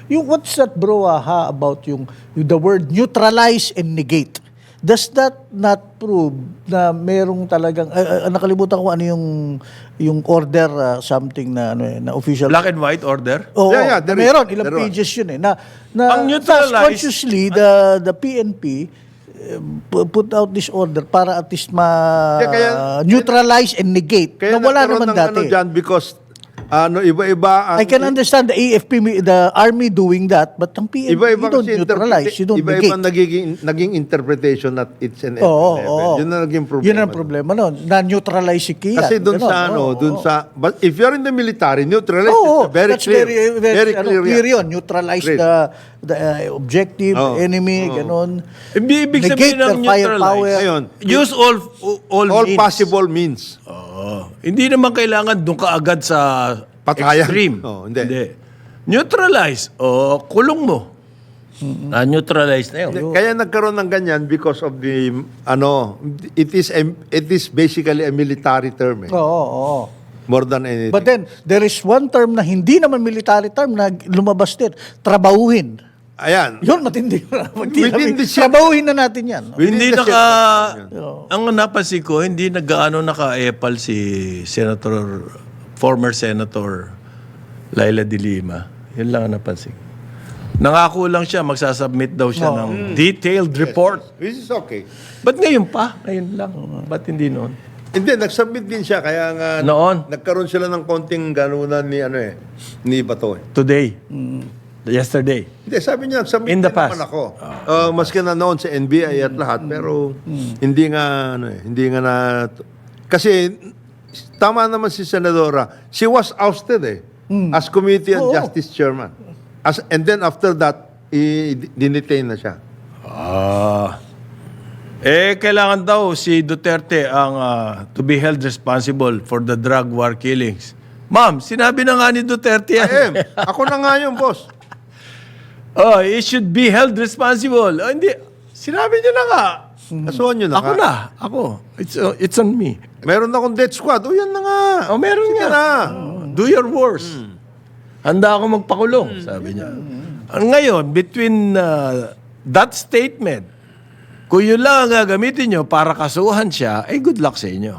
Yung what's that brouhaha about yung the word neutralize and negate? Does that not prove na merong talagang nakalimutan ko ano yung order something na ano na official Black and white order? Oo, Yeah, there is. meron ilang There was. pages yun na Ang neutralize- consciously the PNP put out this order para at least neutralize and negate Kaya na wala nagkaroon naman ng dati. ano dyan because iba-iba ang I can understand the AFP, the army doing that, but ang PNP, iba-iba you don't kasi neutralize, you don't iba-iba negate. naging interpretation at it's an Oo, level. oo. Yun na naging problema. Yun ang problema nun. Na-neutralize si Kian. Kasi doon Ganon, sa oo. but if you're in the military, neutralize Oo, is very that's clear. Very clear yun. Neutralize Great. the objective, Oo, enemy, ganon. Ibig Negate sabihin ng their firepower. neutralize. Ayun. Use all All means. possible means. Oo. Hindi naman kailangan doon ka agad sa Patayan. extreme. Oo, hindi. Neutralize. O, kulong mo. Na-neutralize na yun. Kaya nagkaroon ng ganyan because of the it is basically a military term Oo. more than anything. But then, there is one term na hindi naman military term na lumabas din. Trabahuhin. Ayan. Yun, matindi. Within the Trabahuhin na natin yan. Hindi Within the ang napansin ko, hindi nag-ano naka-epal si former Senator Laila de Lima. Yun lang ang napansin. Nangako lang siya, magsasubmit daw siya ng detailed report. Which is okay. Ba't ngayon pa? Ngayon lang. Ba't hindi noon? Hindi, nag-submit din siya kaya nga Noon? nagkaroon sila ng konting ganunan ni Bato. Today. Yesterday. Hindi, sabi niya, submit In the din naman past. ako. Maski na noon sa NBI at lahat, pero hindi nga na... Kasi tama naman si Senadora, she was ousted as Committee on Justice Chairman. And then after that, dinetain na siya. Kailangan daw si Duterte ang to be held responsible for the drug war killings. Ma'am, sinabi na nga ni Duterte yan. Ako na nga yun, boss. He should be held responsible. Hindi. Sinabi niya na nga. Kasuhan nyo na Ako ka. na. Ako. It's on me. Meron akong death squad. O yan na nga. Meron Sige nga. na. Do your worst. Handa ako magpakulong, sabi niya. Ngayon, between that statement, kung yun lang ang gagamitin nyo para kasuhan siya, good luck sa inyo.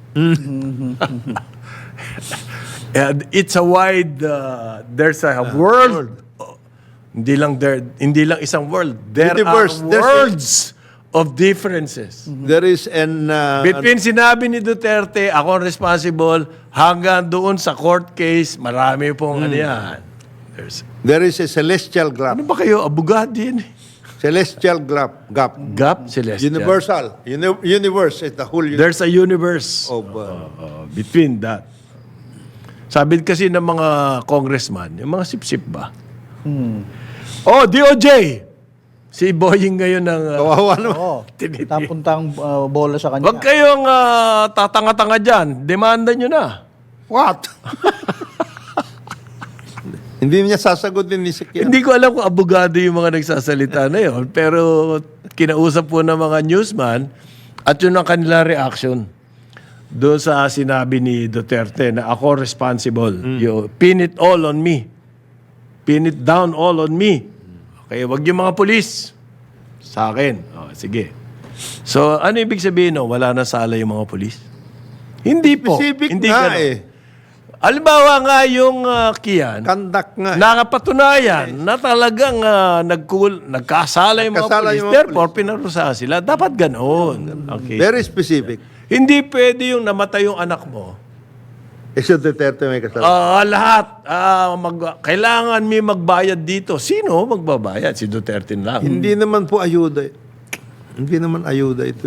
And it's a wide, there's a world. Hindi lang isang world. There Universe. are worlds of differences. There is Between sinabi ni Duterte, ako ang responsible, hanggang doon sa court case, marami pong ano yan. there is a celestial gap. Ano ba kayo? Abogado yan. Celestial gap. Gap, Celestial. Universal. Universe is the whole universe There's a universe of... between that. Sabi kasi ng mga congressman, yung mga sip-sip ba? DOJ! Si Boying ngayon ng... kawawa naman. Oo. Tapuntang bola sa kanya. Huwag kayong tatanga-tanga dyan. Demanda nyo na. What? Hindi niya sasagutin ni Sikia. Hindi ko alam kung abogado yung mga nagsasalita na yun. Pero kinausap po ng mga newsman at yun ang kanila reaction doon sa sinabi ni Duterte na ako responsible. You pin it all on me. Pin it down all on me. Okay, wag yung mga polis. Sa akin. Sige. So, ano ibig sabihin no? Wala na sala yung mga polis? Hindi po. Specific Hindi nga ganun. Halimbawa nga yung Kian, Kandak nga. nakapatunayan na talagang nagkasala yung mga Nagkasala polis. yung mga Therefore, pinarusahan sila. Dapat ganoon. Okay. Very specific. Hindi pwede yung namatay yung anak mo. Si Duterte may kasama. Lahat. Kailangan may magbayad dito. Sino magbabayad? Si Duterte lang. Hindi naman po ayuda. Hindi naman ayuda ito.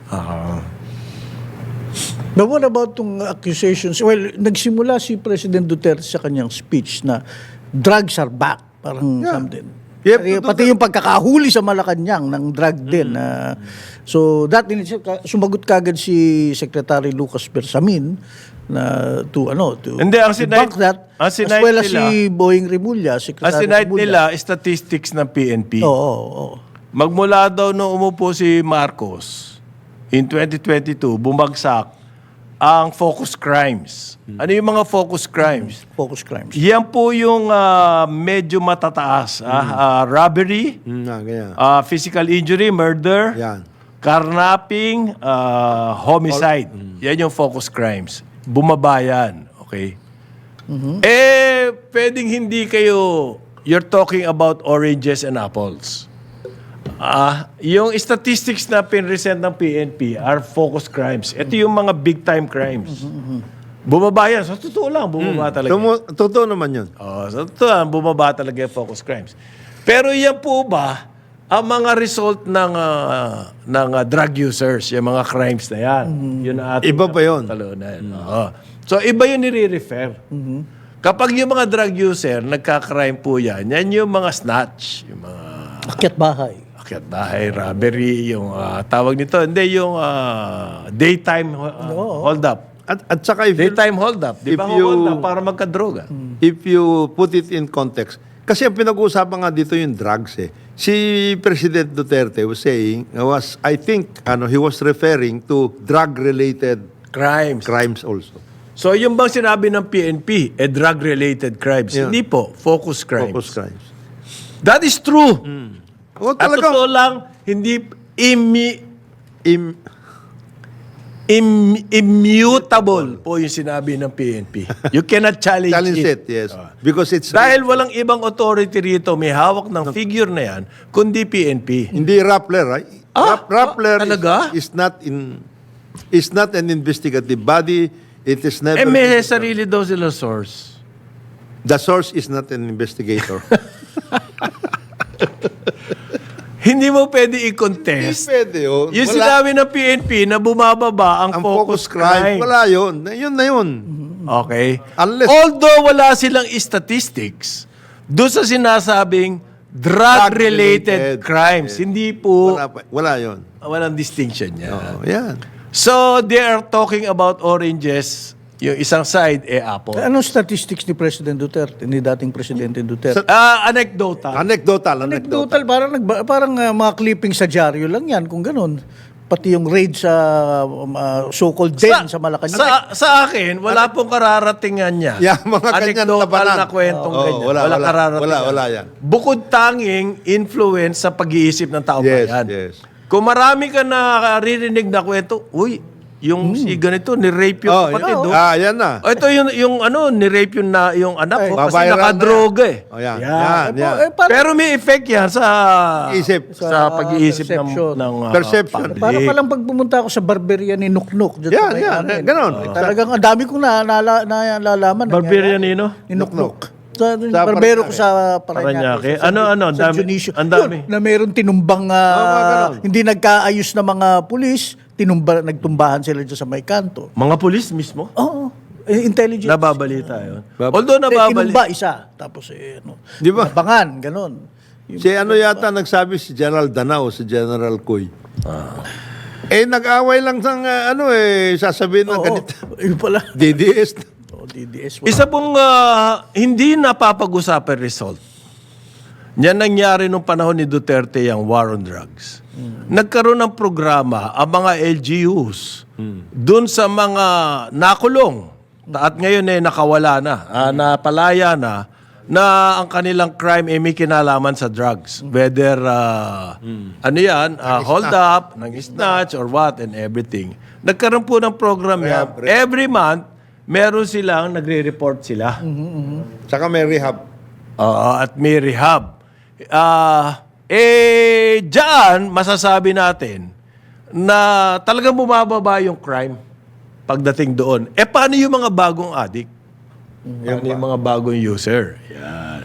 But what about itong accusations? Well, nagsimula si President Duterte sa kanyang speech na drugs are back. Parang something. Yep, Pati yung pagkakahuli sa Malacanang ng drug din. So, sumagot kagad si Secretary Lucas Bersamin na to Hindi, ang debunk that, ang as sinight well as nila- si Boying Rimulya, Ang Secretary sinight Rimulya. nila, statistics ng PNP. Oo. Magmula daw nung umupo si Marcos, in 2022, bumagsak ang focus crimes. Ano yung mga focus crimes? Focus crimes. Yan po yung medyo matataas. Robbery, Ganyan. physical injury, murder, Yan. carnapping, homicide. Yan yung focus crimes. Bumaba yan. Okay? Pwedeng hindi kayo, you're talking about oranges and apples. Yung statistics na pinresent ng PNP are focus crimes. Ito yung mga big time crimes. Bumaba yan. Sa totoo lang, bumaba talaga. Totoo naman yun. Sa totoo lang, bumaba talaga yung focus crimes. Pero yan po ba ang mga result ng drug users, yung mga crimes na yan? Yun ang ating Iba pa yun. talunan. So, iba yun nire-refer. Kapag yung mga drug user, nagka-crime po yan, yan yung mga snatch, yung mga Akyat bahay. akyat bahay, robbery, yung tawag nito, hindi yung daytime hold up. At saka Daytime hold up. Di ba if you- hold up para magka-droga? if you put it in context, kasi ang pinag-uusapan nga dito yung drugs eh. Si President Duterte was saying, I think, he was referring to drug-related Crimes. crimes also. So, yung bang sinabi ng PNP, drug-related crimes? Yeah. Hindi po, focus crimes. Focus crimes. That is true. O At talagang totoo lang, hindi immutable po yung sinabi ng PNP. You cannot challenge, challenge it, yes. Because it's Dahil walang ibang authority rito may hawak ng figure na yan, kundi PNP. hindi Rappler, right? Rappler talaga? is not an investigative body. It is never May sarili daw sila source. the source is not an investigator. Hindi mo pwede Hindi i-contest. pwede yun. Yung Wala. sinabi ng PNP na bumababa ang, Ang focus crime, wala yun. Yun na yun. Okay? Unless- Although wala silang statistics, doon sa sinasabing drug-related Drug-related. crimes, hindi po, Wala yun. walang distinction yan. Oh, yan. So, they are talking about oranges, yung isang side, apple. Anong statistics ni President Duterte, ni dating Presidente Duterte? Anecdotal. Anecdotal, parang mga clipping sa dyaryo lang yan, kung ganun. Pati yung raid sa so-called den sa Malacanang. Sa akin, wala pong kararatingan niya. Yeah, mga ganyan Anecdotal labanan. na kwentong Oo, ganyan. wala, kararatingan. wala yan. Bukod tanging influence sa pag-iisip ng tao Yes, bayan. yes. Kung marami ka na naririnig na kwento, uy, yung si ganito, ni-rape yung kapatid. yan. oh. Yan na. Ito yung ni-rape yung anak ko kasi Babayaran nakadroga eh. Oh, yan. Yan. Yan. Pero may effect yan sa Isip. sa pag-iisip perception. ng Perception. public. Para palang pag pumunta ako sa barberia ni Nuknuk. Dyan Yan, sa may yan. amin. Ganon. Talagang ang dami kong nalalaman. Barberia Nino? Ni Nuknuk. Sa Sa barbero ko sa Paranaque. Paranaque. Ano, ang Sa dami- Dionisio. ang dami. Yun, na meron tinumbang, ganon. hindi nagkaayos na mga pulis, nagtumbahan sila dyan sa may kanto. Mga pulis mismo? Oo. Intelligence. Nababalita yun. Although Tinumba isa. Tapos Di ba? nabangan, ganon. Si yata nagsabi si General Danao, si General Coy. Nag-away lang ng sasabihin ng ganito. Yun pala. DDS. DDS. Isa pong hindi napapag-usapan result. Yan nangyari nung panahon ni Duterte yung war on drugs. Nagkaroon ng programa ang mga LGUs dun sa mga nakulong at ngayon nakawala na, napalaya na ang kanilang crime may kinalaman sa drugs. Whether, hold up, ng snatch, or what, and everything. Nagkaroon po ng program yan. Every month, meron silang, nagre-report sila. Saka may rehab. At may rehab. Diyan, masasabi natin na talagang bumababa yung crime pagdating doon. Paano yung mga bagong addict? Paano yung mga bagong user? Yan.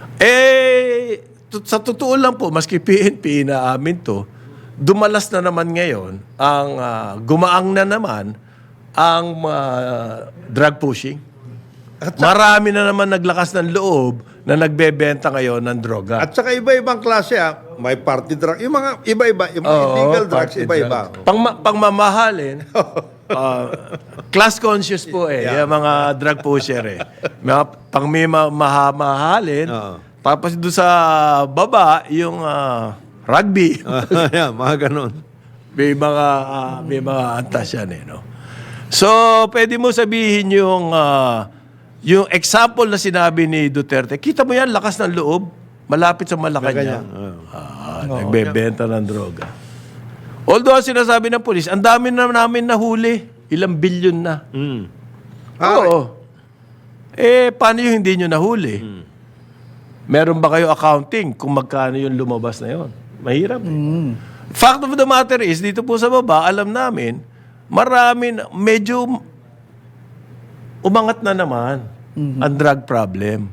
Sa totoo lang po, maski PNP inaamin to, dumalas na naman ngayon, gumaang na naman ang drug pushing. Marami na naman naglakas ng loob na nagbebenta ngayon ng droga. At saka iba-ibang klase may party drug. Yung mga iba-iba, yung mga illegal drugs, party iba-iba. drugs. Pangmamahalin, class conscious po yung mga drug pusher Mga pangmamahalin, tapos doon sa baba, yung rugby. Yan, mga ganun. May mga antas yan no? So, pwede mo sabihin yung example na sinabi ni Duterte, kita mo yan, lakas ng loob, malapit sa Malacanang. Nagbebenta ng droga. Although, ang sinasabi ng polis, ang dami na namin nahuli, ilang bilyon na. Oo. Paano yung hindi nyo nahuli? Meron ba kayo accounting kung magkano yung lumabas na yon? Mahirap. Fact of the matter is, dito po sa baba, alam namin, medyo umangat na naman ang drug problem.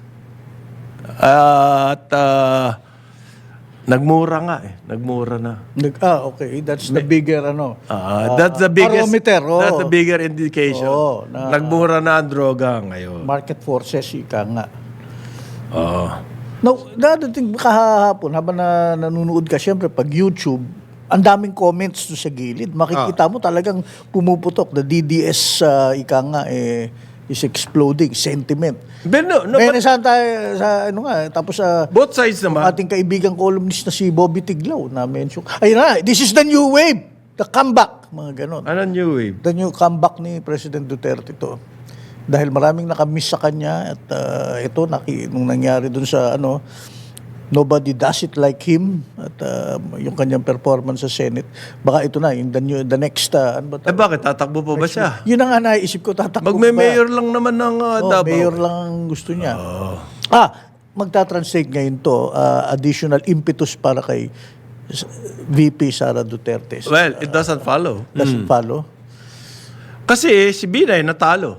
At nagmura nga nagmura na. Okay. That's the bigger, That's the biggest, barometer. that's the bigger indication. Nagmura na ang droga ngayon. Market forces, ika nga. Oo. Now, dadating kahapon, habang nanonood ka, syempre, pag YouTube, ang daming comments doon sa gilid. Makikita mo talagang pumuputok. The DDS, ika nga, is exploding. Sentiment. But no, Ngayon, saan tayo, tapos both sides naman. ating kaibigang columnist na si Bobby Tiglaw na mention. Ayun na, this is the new wave. The comeback. Mga ganon. Ano new wave? The new comeback ni President Duterte to. Dahil maraming nakamiss sa kanya at ito, nung nangyari dun sa nobody does it like him at yung kanyang performance sa Senate, baka ito na, the next, ano ba to? Bakit? Tatakbo pa ba siya? Yun ang naisip ko, tatakbo ba? Magme-mayor lang naman ng Davao. Mayor lang ang gusto niya. Magta-translate ngayon to, additional impetus para kay VP Sara Duterte. Well, it doesn't follow. Doesn't follow. Kasi si Binay natalo.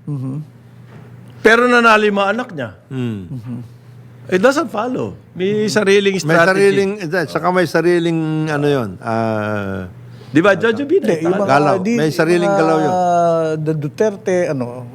Pero nanalo yung mga anak niya. It doesn't follow. May sariling strategy. May sariling, yun. Di ba, Jojo Binay? Yung mga, Galaw. May sariling galaw yun. The Duterte,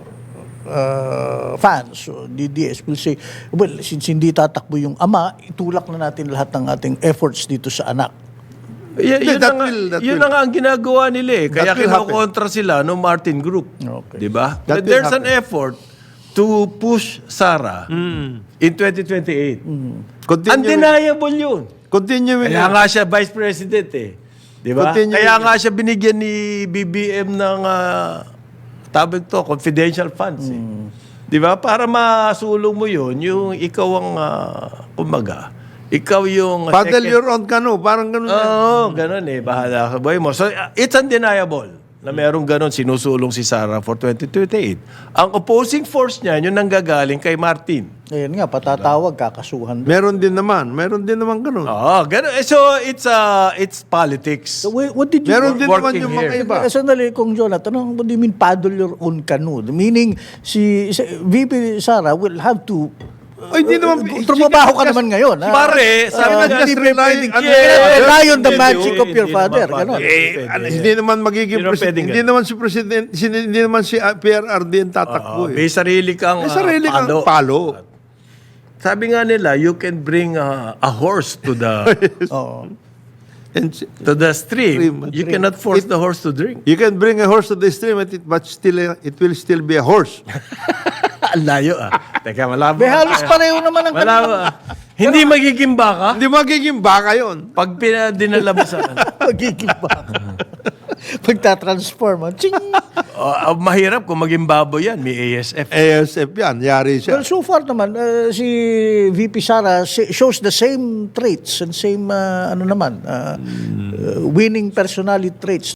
fans, so DDS will say, well, since hindi tatakbo yung ama, itulak na natin lahat ng ating efforts dito sa anak. Yun na nga ang ginagawa nila Kaya kinokontra sila no Martin Group. Okay. Di ba? There's an effort to push Sara in 2028. Undeniable yun. Kaya nga siya Vice President Di ba? Kaya nga siya binigyan ni BBM ng confidential funds Di ba? Para masulong mo yun, yung ikaw ang kumbaga, ikaw yung paddle your own canoe, parang ganun. Oo, ganun bahala ka boy mo. So, it's undeniable na merong ganun sinusulong si Sara for 2028. Ang opposing force niya, yung nanggagaling kay Martin. Ayun nga, patatawag, kakasuhan. Meron din naman ganun. Oo, ganun. So, it's politics. So, what did you... Meron din naman working yung mga here. iba. Sandali, Kung Jonathan, what do you mean paddle your own canoe? Meaning, si VP Sara will have to... Hindi naman. Trumabaho ka naman ngayon. Pare, sabi na hindi just pwedeng rely- rely on the Hindi, magic of your hindi father. naman, Ganon. pare. Hindi naman magiging Hindi naman president. pwedeng Hindi naman si president, hindi naman si PRRD ang tatakbo. May sarili kang May sarili kang palo. Sabi nga nila, you can bring a horse to the Oo. And stream. You cannot force the horse to drink. you can bring a horse to the stream, but still, it will still be a horse. Ang layo Teka, malabo. May halos pareho naman ang Malabo Hindi magiging baka Hindi magiging baka yun. pag dinala mo sa magiging baka. Pagtatransform. Ching! mahirap kung maging baboy yan. May ASF. ASF yan, yari siya. Well, so far naman, si VP Sara shows the same traits and same, winning personality traits